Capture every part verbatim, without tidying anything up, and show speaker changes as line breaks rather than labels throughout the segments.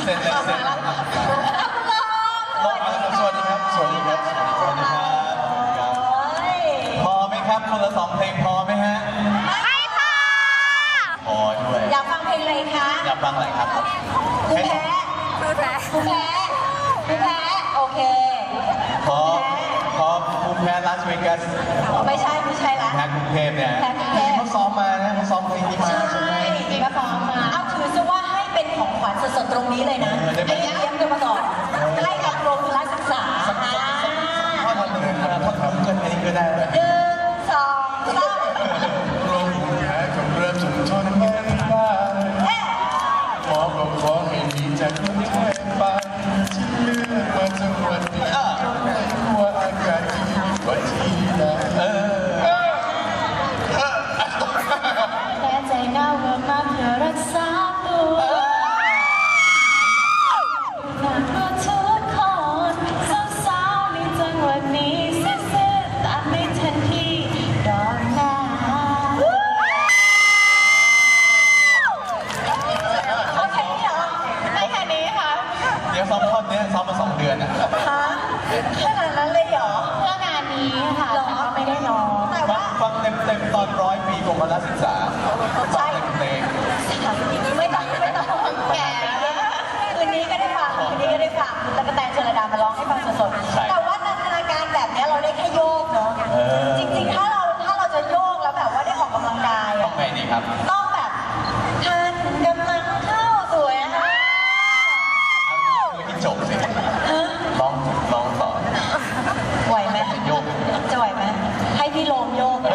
เสร็จแล้วเสร็จแล้วลงมาสวัสดีครับสวัสดีครับสวัสดีครับพอไหมครับคนละสองเพลงพอไหมฮะ
ไม่พอ
พอด้วย
อยากฟังเพลงอะไรคะ
อยากฟังอะไรครับ
ผู้แพ้ผู้แพ้ผู้แพ้ผู้แพ้โอเค
พอพอผู้แพ้ลาสเวกัส
ไม่ใช่ไม่ใช่ละ
แพ้กรุงเทพเนี่ยเขาซ้อมมานะเขาซ้อมเพลงนี้มาใช่ไหม
จริงๆก็ซ้อมมาเอาถือซะว่าให้เป็นของขวัญสดๆตรงนี้เลยนะไอ้เยี่ยมกันมาก่อนให้กับโรงพยาบาลศึกษา
ถ้าทำหนึ่งถ้าทำเกินนี้ก็ได้เลย
หนึ่งสองสาม
โรงแพ้กับเริ่มสุนทรแม่บ้านขอก็ขอให้มีจากคนไทยไปที่เลือกมาจังหวัดนี้ว่าอากาศดีกว่าที่ไหน
แต่ใจเน่าว่ามาเพื่อรักษาตัวฝากตัวทุกคนสาวๆในจังหวัดนี้ซื่อๆตามไม่ทันที่ดอนหน้าเอาแค่นี้เหรอไม่แค่นี้ค่ะ
เดี๋ยวซ้อมท่อนนี้ซ้อมมาสองเดือนอ่ะ
ฮะขนาดนั้นเลยเหรอ
เพื่องานนี้ค่ะ
แต่ก็ไม่ได้ร้องแต่ว่า
ฟังเต็มเต็มตอนร้อยปีกรมการศึกษา
ใช่
เพลง
ไม่ต้องไม่ต้องแก่คืนนี้ก็ได้ฟังคืนนี้ก็ได้ฟังแล้วก็แตงเชลดามาร้องให้ฟังสดๆแต่ว่านันทนาการแบบนี้เราได้แค่โยกเนาะจริงๆถ้าเราถ้าเราจะโยกแล้วแบบว่าได้ออกกำลังกาย
ต้องไงดีครับ
ต้องแบบท่านกำลังเข้าสวยนะคะ
ไม่กินจบสิร้องร้องต่อ
ไหวไหม
โยก
จะไหวไหมให้พี่โลมโยก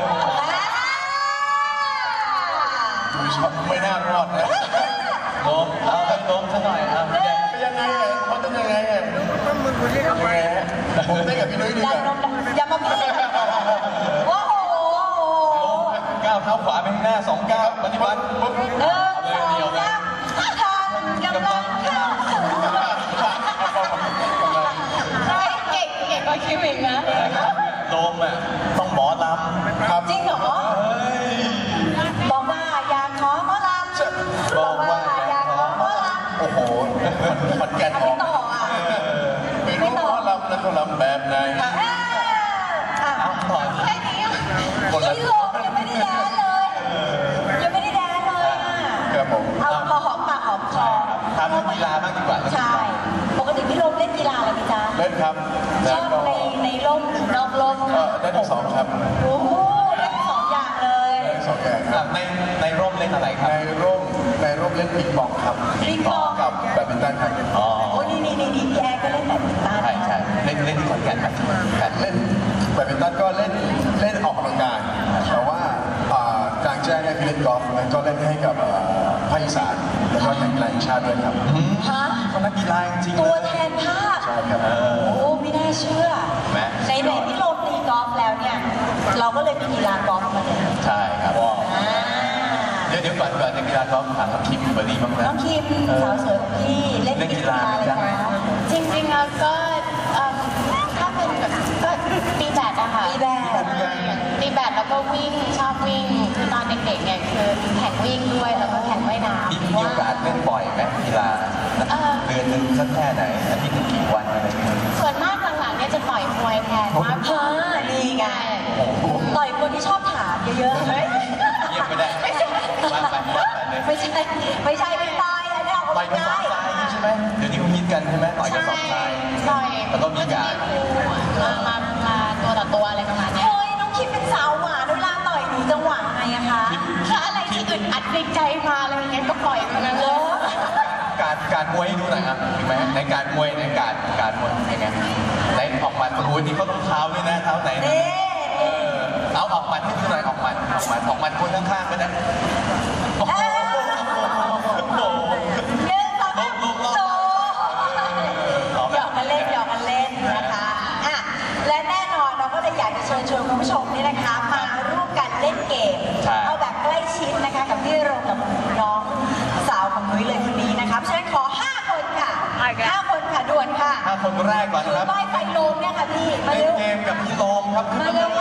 ไม่น่ารอดนะโลมเอาไปโลมซะหน่อยครับเป็นยังไงไงเขาต้องยังไงไงยังไงฮะผมได้กับพี่นุ้ยดีกว่า
อย่ามาพี่โอ้โห
ก้าวเท้าขวาไปข้างหน้าสองก้าวปฏิบัติปุ๊บ
หนึ่งสองสามท่านกำลังเข้าเก่งเก่งกว่าคิวอีกนะ
โลมอ่ะต้องหมอลำ
จริงเหรอบอกว่าอยากขอหมอลำบอกว่าอยากขอหมอลำ
โอ้โหมันแก่นออก
ต่ออ่ะ
ไม่รู้หมอลำแล้วเขาลำแบบไหน
ต่อแค่นี้พี่โลมยังไม่ได้แดนเลยยังไม่ได้แดนเลยอ่ะ
ครับผม
เอาพอหอมปากหอมคอ
ทำกีฬาบ้างดีกว่า
ใช่ปกติพี่โลมเล่นกีฬาอะไรไหมจ๊ะ
เล่นครับ
ชอบในในร่มหรือนอกร่ม
ได้ทั้งสองครับ
โอ้โหได้ทั้งสองอย่างเลย
ได้ทั้งสองอย่างครับในในร่มเล่นอะไรครับในร่มในร่มเล่นปิงปองครับ
ปิงปอง
กับแบดมินตันครับ
อ๋อโอ้นี่นี่นี่นี่พี่แอร์ก็เล่นแบดมินตัน
ใช่ใช่เล่นเล่นที่ขอนแก่นครับเล่นแบดมินตันก็เล่นเล่นออกกำลังกายแต่ว่ากลางแจ้งเนี่ยคือเล่นกอล์ฟแล้วก็เล่นให้กับภาคอีสานแล้วก็แข่งกีฬาแห่งชาติด้วยครับ
ฮะ
เขานักกีฬาจริง
ตัวแทนภาค
ใช่ครับ
โอ้ไม่น่าเชื่อในในที่โลมตีกอล์ฟแล้วเนี่ยเราก็เลยมีกีฬากอล์ฟมาเนี่ย
ใช่ครับเดี๋ยวเดี๋ยวก่อนก่อนจะกีฬากอล์ฟถามน้องคิมเบอร์ดี้บ้างนะ
น้องคิมสาวสวยของพี่เล่นกีฬาอะไรคะ
จริงๆแล้วก็ถ้าเป็นแบบก็ตีแบดอะค่ะ
ตีแบด
ตีแบดแล้วก็วิ่งชอบวิ่งคือตอนเด็กๆเนี่ยคือแข่งวิ่งด้วยแล้วก็แข่งว่ายน้ำ
มีโอกาสเล่นบ่อยไหมกีฬาเดือนหนึ่งสักแค่ไหนอาทิตย์นึงกี่วันอะไรเงี้ย
ส่วนมากหลังๆเนี่ยจะต่อยมวยแทนมาก
กว่านี่ไงต่อยคนที่ชอบถามเยอะๆเฮ้ย
เยี่ยมไม่ได้
ไม่ใช่ไม่ใช่ไม่ใช่ไม่ตายอันนี้เอา
ไปไม่ได้ใช่ไหมเดี๋ยวนี้เขาฮิตกันใช่ไหมต่อยกระสอบทรายแล้วก็มีการ
มามามาตัวต่อตัวอะไรประมาณนี้
เฮ้ยน้องคิดเป็นสาวหวานเวลาต่อยหนูจังหวะไงอะคะ
ถ้าอะไรที่อึดอัดในใจมาอะไรอย่างเงี้ยก็ปล่อยมันเลย
การการมวยให้ดูหน่อยครับถูกไหมในการมวยในการการมวยยังไงในออกหมัดโอ้โหนี่เขาต้องเท้าด้วยนะเท้าไหนเออเอาออกหมัดให้ดูหน่อยออกหมัดออกหมัดออกหมัดคนข้างๆก็ได้
หยอกกันเล่นหยอกกันเล่นนะคะอ่ะและแน่นอนเราก็เลยอยากจะเชิญชวนคุณผู้ชมนี่นะคะมาร่วมกันเล่นเกมเอาแบบใกล้ชิดนะคะกับพี่โรงกับน้องสาวของนุ้ยเลยคนนี้นะคะเพราะฉะนั้นขอห้าคนค่ะห้าคนค่ะด่วนค่ะ
ห้าคนแรกก่อนนะครับ
ป้ายไฟโลมเนี่ยค่ะพี่มา
เล่นเกมกับพี่โลมครับ
มาเร็ว